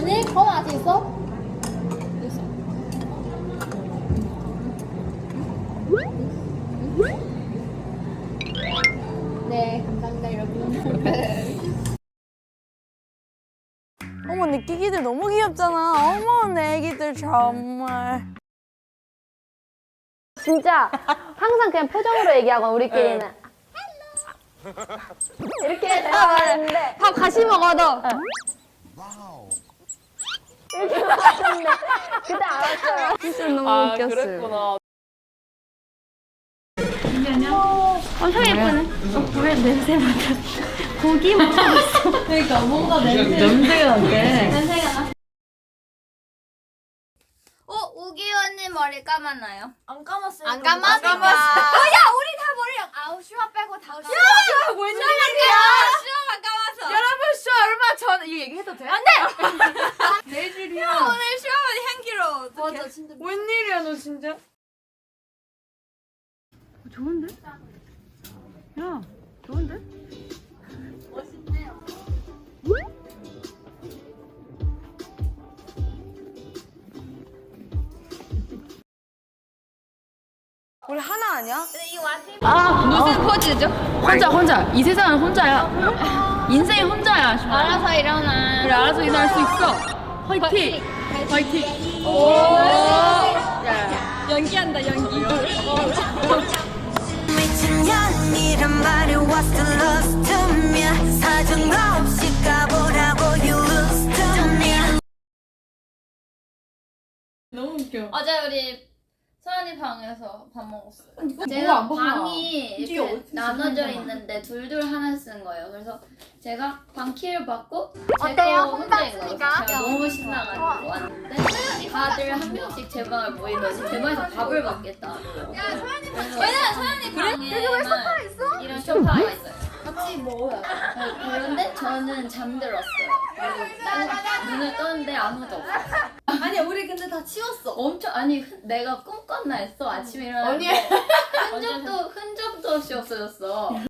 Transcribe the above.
아니, 건 아직 있어? 있어. 네, 감사합니다, 여러분. 어머 내 끼기들 너무 귀엽잖아. 어머 내 애기들 정말. 진짜 항상 그냥 표정으로 얘기하고 우리끼리는 이렇게 대화하는데 밥 같이 먹어도 이렇게 먹었는데 그때 알았어요. 진짜 너무 웃겼어요. 그랬구나. 엄청 예쁘네. 왜 냄새 맡아? 고기 먹었어. 그러니까 뭔가 냄새가 나대. 냄새가 나. 우기 언니 머리 감았나요? 안 감았어요. 안 감았어. 야, 우리 다 머리 아우 슈아 빼고 다 슈아. 웬일이야? 슈아만 감았어. 여러분 슈 얼마 전 이거 얘기해도 돼? 안돼. 내일이야. 오늘 슈아만 향기로워. 맞아 진짜. 웬일이야 너 진짜? 좋은데? 야 좋은데? 우리 하나 아니야? 무슨 포즈죠? 혼자. 이 세상은 혼자야. 인생이 혼자야. 알아서 일어나. 그래, 알아서 일어날 수 있어. 화이팅. 오. 야, 연기한다, 연기. 미친년이란 말이 what's the loss to me 사정 없이 가보라고 you lose to me 너무 웃겨. 어제 우리 서연이 방에서 밥 먹었어요. 제가 방이 이렇게 나눠져 있는데 둘둘 하나 쓰는 거예요. 그래서 제가 방 키를 받고 제가 혼자 있으니까 제가 너무 신나가지고 왔는데 다들 한 명씩 제 방을 모이더니 제 방에서 밥을 먹겠다. 왜냐면 서연이 방에만 이런 소파가 있어요. 같이 먹어요. 그런데 저는 잠들었어요. 그리고 딱 눈을 떴는데 아무도 없었어요. 아니 우리 근데 다 치웠어. 엄청 아니 내가 꿈꿨나 했어. 아침에 일어났는데 흔적도 없이 없어졌어.